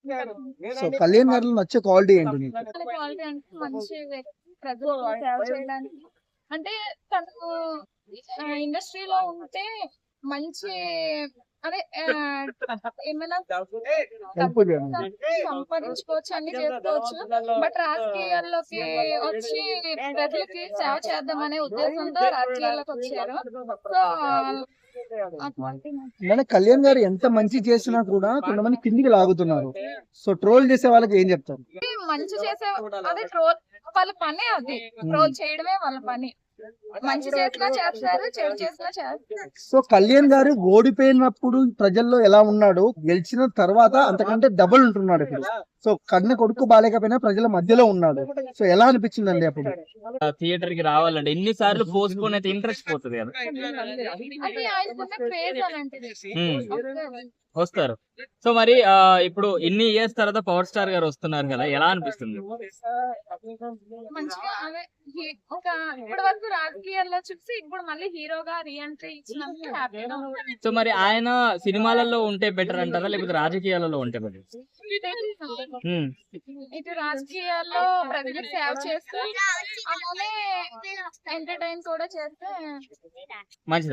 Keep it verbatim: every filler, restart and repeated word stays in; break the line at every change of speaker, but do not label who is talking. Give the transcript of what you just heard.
So Kalyan గారిలో నచ్చే quality ఏంటి నీకు?
క్వాలిటీ అంటే మంచి ప్రజలకు సేవ చేయడానికి, అంటే తను ఇండస్ట్రీలో ఉంటే మంచి అదే ఆ, ఏమైనా
హెల్ప్ చేయండి.
సంపాదించుకోవచ్చు, అన్ని చేసుకోవచ్చు. బట్ రాజకీయాల్లోకి వచ్చి ప్రజలకి సేవ చేద్దామనే ఉద్దేశంతో రాజకీయాల్లోకి వచ్చారు. సో అటువంటి
మన కళ్యాణ్ గారు ఎంత మంచి చేసినా కూడా కొంతమంది కిందికి లాగుతున్నారు. సో ట్రోల్ చేసే వాళ్ళకి ఏం చెప్తారు?
మంచి చేసే అదే ట్రోల్ వాళ్ళ పని, అది ట్రోల్ చేయడమే వాళ్ళ పని. మంచి చేసినా చేస్తారు, చెడు చేసినా చేస్తారు.
సో కళ్యాణ్ గారు ఓడిపోయినప్పుడు ప్రజల్లో ఎలా ఉన్నాడు, గెలిచిన తర్వాత అంతకంటే డబుల్ ఉంటున్నాడు ఇప్పుడు. సో కన్న కొడుకు బాలేకపోయినా ప్రజల మధ్యలో ఉన్నాడు. సో ఎలా అనిపించిందండి అప్పుడు?
థియేటర్ కి రావాలంటే ఎన్ని సార్లు పోస్ట్పోన్ అయితే ఇంట్రెస్ట్ పోతుంది కదా.
అది ఆయనకున్న క్రేజ్ అలాంటిది.
ఉమ్. వస్తారు. సో మరి ఆ, ఇప్పుడు ఇన్ని ఇయర్స్ తర్వాత పవర్ స్టార్ గారు వస్తున్నారు కదా, ఎలా అనిపిస్తుంది?
మంచిగా అదే హీ- ఒక ఇప్పటి వరకు రాజకీయాల్లో చూసి ఇప్పుడు మళ్ళీ హీరోగా రీఎంట్రీ ఇచ్చినందుకు హ్యాపీగా ఉంది.
సో మరి ఆయన సినిమాలలో ఉంటే బెటర్ అంటారా, లేకపోతే రాజకీయాలలో ఉంటే బెటర్?
ఇటు రాజకీయాల్లో ప్రజలకు సేవ చేస్తూ అలానే ఎంటర్టైన్ కూడా చేస్తే
మంచిది.